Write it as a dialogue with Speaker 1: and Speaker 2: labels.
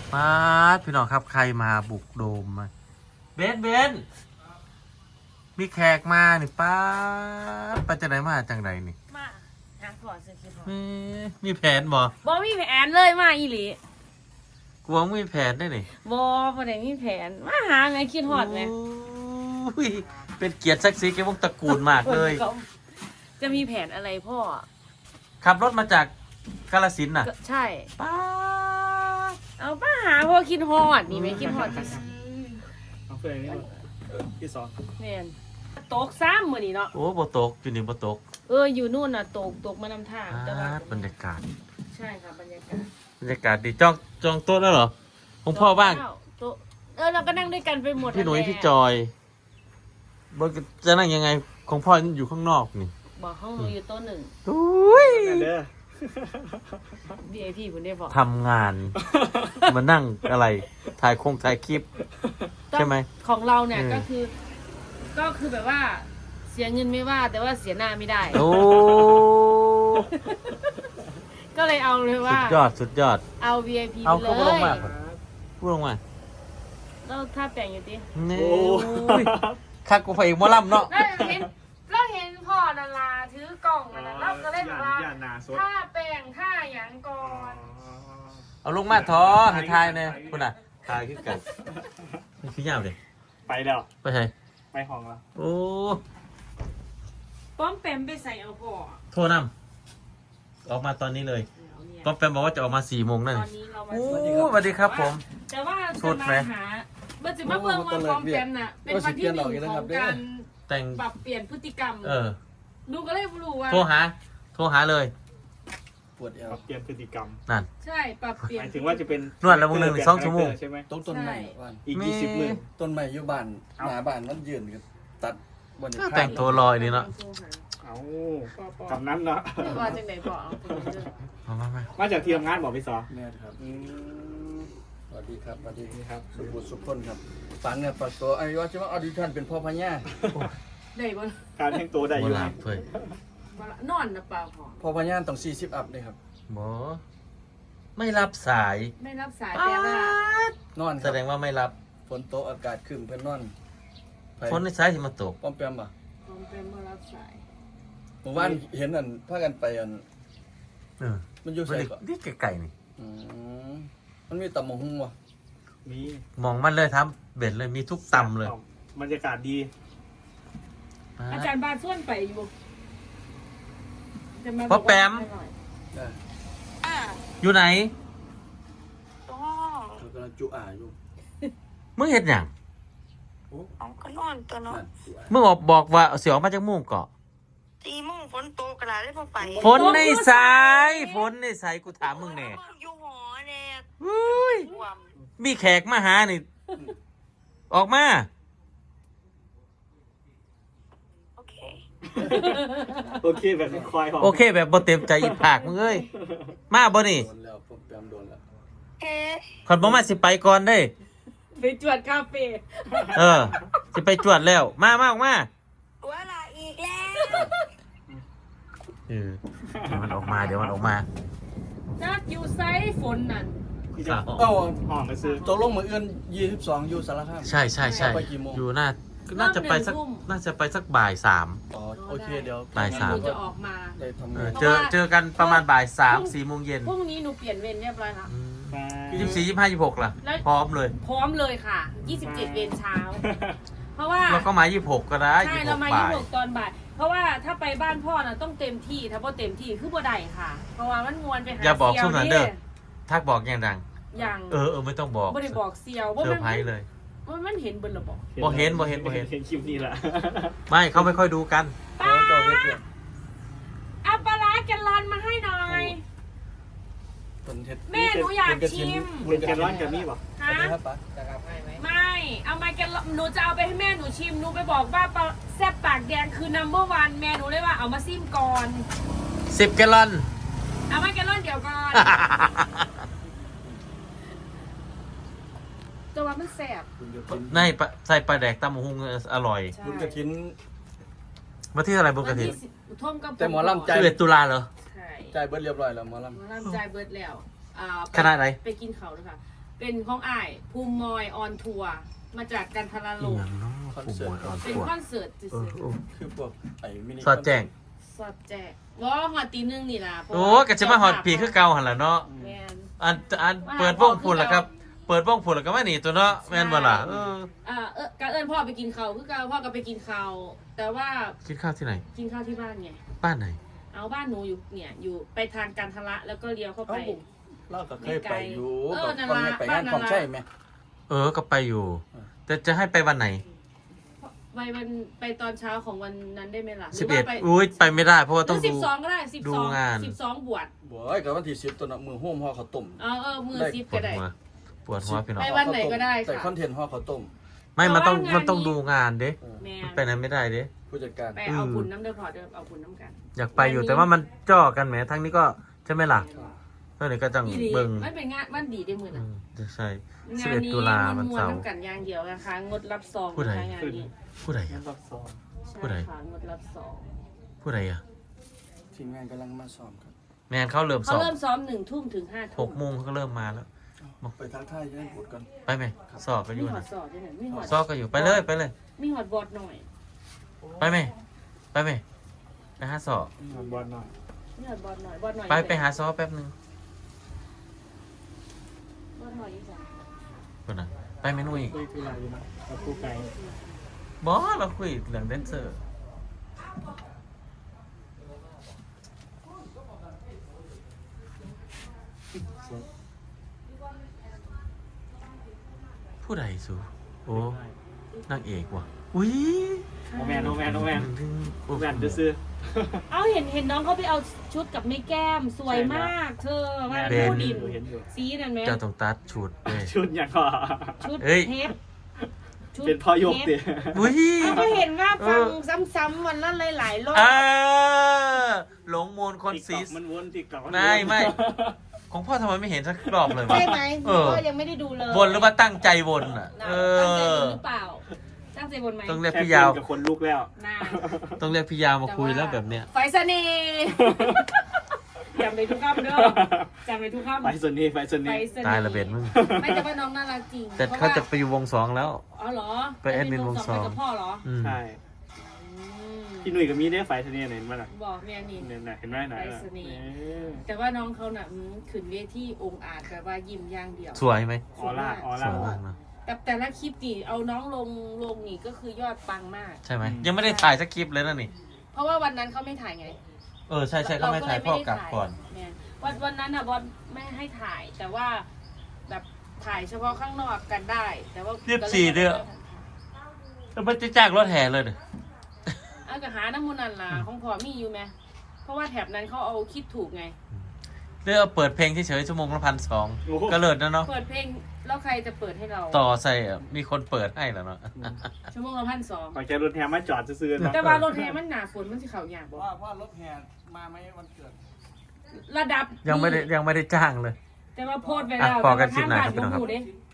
Speaker 1: มาพี่น้องครับใครมาบุกโดมมาเบนมีแขกมานี่ป้าไปจากไหนมาจังไรนี่
Speaker 2: มาหาพอซื้อคิดพอ
Speaker 1: มีแผนบ่
Speaker 2: มีแผนเลยมาอีหลี
Speaker 1: กลัวมีแผนได้นี่
Speaker 2: บ่ได้มีแผนมาหาไงคิดฮอดไง
Speaker 1: เป็นเกียรติศักดิ์ศรีแก่วงตระกูลมากเลย
Speaker 2: จะมีแผนอะไรพ่อ
Speaker 1: ขับรถมาจากกาฬสินธุ์น่ะ
Speaker 2: ใช่
Speaker 1: ป้า
Speaker 2: เอาป้าหาพ่อคิดฮอดนี่ไหมคิดฮอดที่
Speaker 3: เอาเฟรนี่พี่สอน
Speaker 2: แม่นตกซ้ำมื้อนี้เนาะ
Speaker 1: โอ้บ่ตกอยู่นี่บ่ตก
Speaker 2: อยู่นู่นน่ะตกมานำทางแต่ว่า
Speaker 1: บรรยากาศ
Speaker 2: ใช่ค่ะบรรยาก
Speaker 1: าศดีจองโต๊ะแล้วเหรอของพ่อบ้าง
Speaker 2: เราก็นั่งด้วยกันไปหมด
Speaker 1: พี่หนุ่ยพี่จอยจะนั่งยังไงของพ่ออยู่ข้างนอกนี่
Speaker 2: บอกห้องหนูอยู่โต๊ะหนึ่ง
Speaker 1: อุ้ย
Speaker 2: VIP คุณได้บอก
Speaker 1: ทำงานมานั่งอะไรถ่ายคลิปใช่ไหม
Speaker 2: ของเราเนี่ยก็คือแบบว่าเสียเงินไม่ว่าแต่ว่าเสียหน้าไม่ได้
Speaker 1: โอ้
Speaker 2: ก็เลยเอาเลยว่า
Speaker 1: สุดยอด
Speaker 2: เอา VIP
Speaker 1: เอา
Speaker 2: ไปเลย
Speaker 1: พูดลงมา
Speaker 2: แล้วถ้าแต่งอยู่ดิ
Speaker 1: นี่คักกูไปอีกมอลำเนาะ
Speaker 2: เราเห็นพ่อดาราถือกล่องนะเราก็เลยบอกว่าถ้าแป้งถ้าหยังก่อน
Speaker 1: เอาลงมาท้อให้ทายเนี่ยคุณอ่ะทายขึ้นกันพี่ยาวเลย
Speaker 3: ไปแล้ว
Speaker 1: ไปใช่
Speaker 3: ไปห้องแล้ว
Speaker 1: โอ้
Speaker 2: ป้อมแปมไปใส่เอาพ่อ
Speaker 1: โทษนำออกมาตอนนี้เลยป้อมแปมบอกว่าจะออกมา4 โมงนั่น
Speaker 2: ตอนนี้เรามา
Speaker 1: สวัสดีครับผม
Speaker 2: แต่ว่าจะมาหาเมื่อจะมาเบิ่งว่าป้อมแปมน่ะเป็นวันที่1ของการ
Speaker 1: แต่ง
Speaker 2: ปรับเปลี่ยนพฤติกรรมดูก็เลยรู้ว่า
Speaker 1: โทรหาเลย
Speaker 3: ปวดเอวเปลี่ยนพฤติกรรม
Speaker 1: นั่น
Speaker 2: ใช่ปรับเปลี่ยน
Speaker 3: หมายถึงว่าจะเป็น
Speaker 1: นวดแล้วมึง1-2 ชั่วโมง
Speaker 3: ใช่ไหม
Speaker 4: ต้นใหม่
Speaker 3: อีก20 มื้อ
Speaker 4: ต้นใหม่อยู่บ้านหน้าบ้านมันยืนตัดบน
Speaker 1: แต่งตัวลอยนี่เนาะ
Speaker 3: เอาคำนั้นเนาะ
Speaker 2: ว่าจังไหนบอก
Speaker 3: มาจากที่ทำงานบอกพี่สอ
Speaker 4: แม่ครับสวัสดีครับสวัสดีครับสุบุตรสุขคนครับฝังเนี่ยปัดตัวไอ้ว่าจะมาออดิชั่นเป็นพ่อพญา
Speaker 2: ได้บ่
Speaker 3: การแต่งตัวได้อยู่
Speaker 2: นอนนะเปล่า
Speaker 4: พ่อพญาต้อง40 อัพเลยครับ
Speaker 1: บ่ไม่รับสาย
Speaker 2: แปลว่
Speaker 4: านอน
Speaker 1: แสดงว่าไม่รับ
Speaker 4: ฝนตกอากาศครึ้มเพิ่นนอน
Speaker 1: ฝนในสายที่มาตก
Speaker 4: ป้อมแปมป่ะ
Speaker 2: ป้อมแปมมารับสาย
Speaker 4: เมื่อวานเห็นอันพากันไปอันมันอยู่ไสก่อน
Speaker 1: นี่ไกลๆนี่
Speaker 4: มันมีตำมะฮุ่งวะ
Speaker 3: มี
Speaker 1: มองมันเลยทำเบ็ดเลยมีทุกตำเลย
Speaker 3: บรรยากาศดี
Speaker 2: อาจารย์บานส่วนไปอยู่
Speaker 1: พ่อแปมอยู่ไหน
Speaker 4: กำลังจุอาอยู่
Speaker 1: มึงเห็นอย่าง
Speaker 5: ก็นอนตัวเนาะ
Speaker 1: มึงบอกว่าเสียออกมาจากมุ้งเกาะ
Speaker 5: 4 โมงฝนตกกระดาษได้พอไป
Speaker 1: ฝนในสายกูถามมึงแน่
Speaker 5: อยู่หอเนี่ย
Speaker 1: มีแขกมาหานี่ออกมา
Speaker 3: โอเคแบบคอย
Speaker 1: โอเคแบบบ่เต็มใจอีผากมึงเอ้ยมาบ่นี่คนบ่มาสิไปก่อนได้
Speaker 2: ไปจวดคาเฟ่
Speaker 1: สิไปจวดแล้วมาออกมา
Speaker 5: ตัวละอีกแล้ว
Speaker 1: เดี๋ยวมันออกมา
Speaker 2: นัดอยู่ไซฝนนั่น
Speaker 3: ห้องไปซื้อ
Speaker 4: ตกลงมื้ออื่น22อยู่สารคาม
Speaker 1: ใช่อยู่น่าจะไปสักบ่าย 3
Speaker 4: โอเคเดี๋ยว
Speaker 1: บ่าย 3
Speaker 2: จะออกมา
Speaker 1: เจอกันประมาณบ่าย 3 4 โมงเย็น
Speaker 2: พรุ่งนี้หนูเปลี่ยนเวรเรียบร้อยค่ะ
Speaker 1: 24 25 26ล่ะพร้อมเลย
Speaker 2: ค่ะ27 เวรเช้าเพราะว่า
Speaker 1: เราก็มา26ก็ได้
Speaker 2: ใช่เรามา26ตอนบ่ายเพราะว่าถ้าไปบ้านพ่อน่ะต้องเต็มที่ถ้าพ่อเต็มที่คือบ่ได้ค่ะเพราะว่ามันงวนไปหา
Speaker 1: อย่าบอกช่วงนั้นเด้อทักบอกอย่างดังไม่ต้องบอก
Speaker 2: ไม่ได้บอกเซียว
Speaker 1: เซอร์ไพรส์เลย
Speaker 2: มันเห็นบนระบบ
Speaker 1: บ่เห็น
Speaker 3: คลิปนี้แหละ
Speaker 1: ไม่เขาไม่ค่อยดูกัน
Speaker 2: เอาปลาร้าแกลลอนมาให้หน่อยแม่หนูอยากชิม
Speaker 3: เป็นแกลลอนกับนี่ป่ะ
Speaker 2: ฮะไม่เอามาแกลลอนหนูจะเอาไปให้แม่หนูชิมหนูไปบอกว่าแซ่บปากแดงคือ number 1แม่หนูเลยว่าเอามาซิมก่อน
Speaker 1: 10 แกลลอน
Speaker 2: เอามาแกลลอนเดี๋ยวก่อนตัวมันแซ่บ
Speaker 1: ใส่ปลาแดกตำหุงอร่อย
Speaker 4: บุญกระถิน
Speaker 1: มาที่อะไรบุญกระถิน
Speaker 4: แต่หมอลำใจ
Speaker 1: 11 ตุลาเหรอ
Speaker 4: ใจเบิร์ดเรียบร้อยแล้วหมอล
Speaker 2: ำใจเบิร์ดแล้ว
Speaker 1: ขนาดไหน
Speaker 2: ไปกินเขาด้วยค่ะเป็นของอ้ายภูมิมอยออนทัวร์มาจากกันทราล
Speaker 1: อี
Speaker 2: ม
Speaker 1: หยังเนาะผู้มวยอ่อน
Speaker 2: เป็น
Speaker 1: ตัว
Speaker 2: คอนเสิร์ตซื่
Speaker 1: เออ
Speaker 2: อ
Speaker 1: โอ้
Speaker 4: คือพวกไอ้มินิ
Speaker 1: สอดแจ้ง
Speaker 2: ๆสอดแจกว่าหอดตีหนึงนี่ล่ะเพราะ
Speaker 1: โอ้
Speaker 2: ว่า
Speaker 1: ก็จะมาฮอดปีคือเก่าหั่นล่ะเนาะ
Speaker 2: แม่น
Speaker 1: อันเปิดวงพุ่นล่ะครับ เปิดวงพุ่นแล้วก็มานี่ตัวเนาะแม่นบ่ล่ะเออ
Speaker 2: กะเอิญพ่อไปกินข้าวคือเก่าพ่อก็ไปกินข้าวแต่ว่า
Speaker 1: กินข้าวที่ไหน
Speaker 2: กินข้าวที่บ้านไง
Speaker 1: บ้านไหน
Speaker 2: เอาบ้านหนูอยู่เนี่ยอยู่ไปทางกันทละแล้วก็เลี้ยวเข้าไป
Speaker 4: เราก็เคยไปอยู่
Speaker 2: เออนั่น
Speaker 4: ตอน
Speaker 2: ล่ะ
Speaker 4: นี้ไปงานของใช่ไหม
Speaker 1: เออก็ไปอยู่ แต่จะให้ไปวันไหน
Speaker 2: ไปตอนเช้าของวันนั้นได้ไหมล่ะ
Speaker 1: 11อุ้ยไปไม่ได้เพราะว่าต้อง
Speaker 2: สิ
Speaker 1: ดู
Speaker 2: บสองก็ได้สิบ
Speaker 1: ดู
Speaker 2: สอง
Speaker 1: งาน
Speaker 2: 12 บวช
Speaker 4: บ่อยกับวันที่10ตัวน่ะมือโฮมห่อข้าวต้ม
Speaker 2: มือ
Speaker 4: ได้
Speaker 2: ซิป
Speaker 1: ปว
Speaker 2: ก็
Speaker 1: ด
Speaker 2: ได้
Speaker 1: หัวปวดหัวพี่น้อง
Speaker 2: ไปวันไหนก็ได้ค่ะ
Speaker 4: ใส่คอนเทนต์ห่อข้าวต้ม
Speaker 1: ไม่มันต้อง
Speaker 2: แต่ว่างาน
Speaker 1: มันต้องดูงานเด้
Speaker 2: แม่
Speaker 1: มันไปนั้นไม่ได้เด้
Speaker 4: ผู้จัดการ
Speaker 2: ไปเอาบุญน้ำเดือดพอเดิมเอาบุญน้ำกัน
Speaker 1: อยากไปอยู่แต่ว่ามันจ่อกันแหมทั้งนี้ก็ใช่ไหมล่ะเท่านี้ก็จัง
Speaker 2: อีหลี
Speaker 1: เบิ่ง
Speaker 2: มันเป็นงานวันดีได้มือ
Speaker 1: อื
Speaker 2: นะ
Speaker 1: มจะใช่
Speaker 2: งานนี้
Speaker 1: 11ตุลาวัน
Speaker 2: มวน
Speaker 1: เสาร์
Speaker 2: น้ำกันอย่างเดียวนะคะงดรับซอง
Speaker 1: ผู้ใด
Speaker 2: นะคะงานนี้
Speaker 1: ผู้ใด
Speaker 3: งั้
Speaker 1: อะ
Speaker 3: นรอบสอง
Speaker 1: ผู้ใด
Speaker 2: ใช่ค่ะงดรับซอง
Speaker 1: ผู้ใดอ่ะ
Speaker 4: ทีมงานกำลังมาซ้อมครับ
Speaker 1: แมนเขาเริ่ม
Speaker 2: เขา
Speaker 1: สอบ
Speaker 2: เริ่มซ้อม1 ทุ่มถึง5 ทุ่ม
Speaker 1: 6 โมงเขาก็เริ่มมาแล้ว
Speaker 4: ไปทักทายยังพูดกัน
Speaker 1: ไปไหมสอบก็อ
Speaker 2: มี
Speaker 1: ยู่
Speaker 2: หอ
Speaker 1: นะ
Speaker 2: ดสอดด้วยนะมีหอด
Speaker 1: สอบก็อยู่ไปเลยไปเลย
Speaker 2: มีหอดบอดหน่อย
Speaker 1: ไปไหมไปไหมไปหาสอบ
Speaker 3: บอลหน่อย
Speaker 2: มีหอดบอดหน่อยบอดหน่อย
Speaker 1: ไปหาสอบแป๊บนึง
Speaker 2: บอดหน่อยอีสาน
Speaker 1: คนน่ะไปเมนูอีก
Speaker 3: คุยคืออะไรอยู่นะกับคู่ไก่
Speaker 1: บอสเราคุยเรื่องแดนเซอร์ผู้ใดสูโอ้นางเอกว่ะอุ้ย
Speaker 3: โอแมนโอแมนโอแมน
Speaker 1: โอ้
Speaker 3: โอแมนจะซื้อ
Speaker 2: เอาเห็นน้องเขาไปเอาชุดกับไม่แก้มสวยมาก เธอมา
Speaker 3: เบน
Speaker 2: ดูดิน
Speaker 3: เห็นอยู่
Speaker 2: สีนั่นไหม
Speaker 1: เจ้าต้องตัดชุดเลย
Speaker 3: ชุดอย่างก่อ
Speaker 2: ชุด
Speaker 1: เอ้ย
Speaker 2: เทปชุด
Speaker 3: เป็นพ่อยก
Speaker 2: ทป
Speaker 3: เตี๋ย
Speaker 1: อุ้ย
Speaker 2: เอาก็เห็นว่าฟังซ้ำๆวันละหลายๆรอบ
Speaker 1: หลงมนคนซีส
Speaker 3: มันวนติ๊กต็อก
Speaker 1: ไม่ ของพ่อทำไมไม่เห็นสักรอบเลยวะ
Speaker 2: ใช่ไหม
Speaker 1: เออ
Speaker 2: ก็ยังไม่ได้ดูเลย
Speaker 1: วนหรือว่าตั้งใจวนอ่ะ
Speaker 2: น่ะ
Speaker 1: เอ
Speaker 2: ตั้งใจบ
Speaker 1: อ
Speaker 2: นหรือเปล่าตั้งใจบนไหม
Speaker 1: ต้องเรียก
Speaker 3: แค่
Speaker 1: พี่ยาว
Speaker 3: กับคนลุกแล้ว
Speaker 2: น่า
Speaker 1: ต้องเรียกพี่ยาวมาคุยแล้วแบบเนี้ย
Speaker 2: ไฟเสน่ห์จำไปทุกคำเด้อจำไปทุกคำ
Speaker 3: ไปส่วนนี้ไปส่วน
Speaker 2: ไฟ
Speaker 3: นี้
Speaker 2: เสน่ห์
Speaker 1: ตายละเบ็ดมึง
Speaker 2: ไม่แต่ว่าน้องน่ารักจริง
Speaker 1: แต่เขาจะไปอยู่วงสองแล้ว
Speaker 2: อ๋อเหรอ
Speaker 1: ไปแอดมินวงสอง
Speaker 2: ไปกับพ่อเหรอ
Speaker 1: อืม
Speaker 3: ใช่
Speaker 2: อืม
Speaker 3: พี่หนุ่ยกับมีได้ไฟเสน่ห์เห็นไหมล่ะ
Speaker 2: บอกแม่นี่
Speaker 3: เนี่ยเห็นไหมไหน
Speaker 2: ไปเสน่ห์ แต่ว่าน้องเขาน่ะขึ้นเวทีองค์อาจแบบว่ายิ้มอย่างเดียว
Speaker 1: สวยไหม
Speaker 3: ออร่าออ
Speaker 1: ส
Speaker 3: ร่า
Speaker 1: วยมากนะ
Speaker 2: แต่ละคลิปนี่เอาน้องลงนี่ก็คือยอดปังมาก
Speaker 1: ใช่ไหมยังไม่ได้ถ่ายสักคลิปเลยนะนี่
Speaker 2: เพราะว่าวันนั้นเขาไม่ถ่ายไง
Speaker 1: ใช่เขาไม่ถ่ายพ่อกลับก่อน
Speaker 2: เนี่ยวันนั้นอ่ะบอลไม่ให้ถ่าย แต่ว่าแบบถ่ายเฉพาะข้างนอกกันได้ แต่ว่า
Speaker 1: 24เด้อ แล้วมันจะจ้างรถแห่เลยเนี่ย
Speaker 2: เอากระหาน้ำมูนันล่ะของพอมีอยู่ไหมเพราะว่าแถบนั้นเขาเอาคิดถูกไง
Speaker 1: เรื่องเปิดเพลงเฉยๆชั่วโมงละ1,200ก็เลิศนะเนาะ
Speaker 2: เปิดเพลงแล้วใครจะเปิดให้เรา
Speaker 1: ต่อใส่มีคนเปิดให้แล้วเนาะ
Speaker 2: ชั่วโมงละ1,200
Speaker 3: ขอแค่รถแฮมมาจอดซื้อๆนะ
Speaker 2: แต่ว่ารถแห่มันหนาฝนมันสิเขาอย่างบอก
Speaker 4: ว่ารถแห่มาไหมวันเกิด
Speaker 2: ระดับ
Speaker 1: ยังไม่ได้จ้างเลย
Speaker 2: แต่ว่าโพสต์ไปแล้ว
Speaker 1: อ่ะพอกันคลิปหน้าครับพี่น้องครับ
Speaker 2: แต่ว่าทางบ้านบ่ฮู้เด้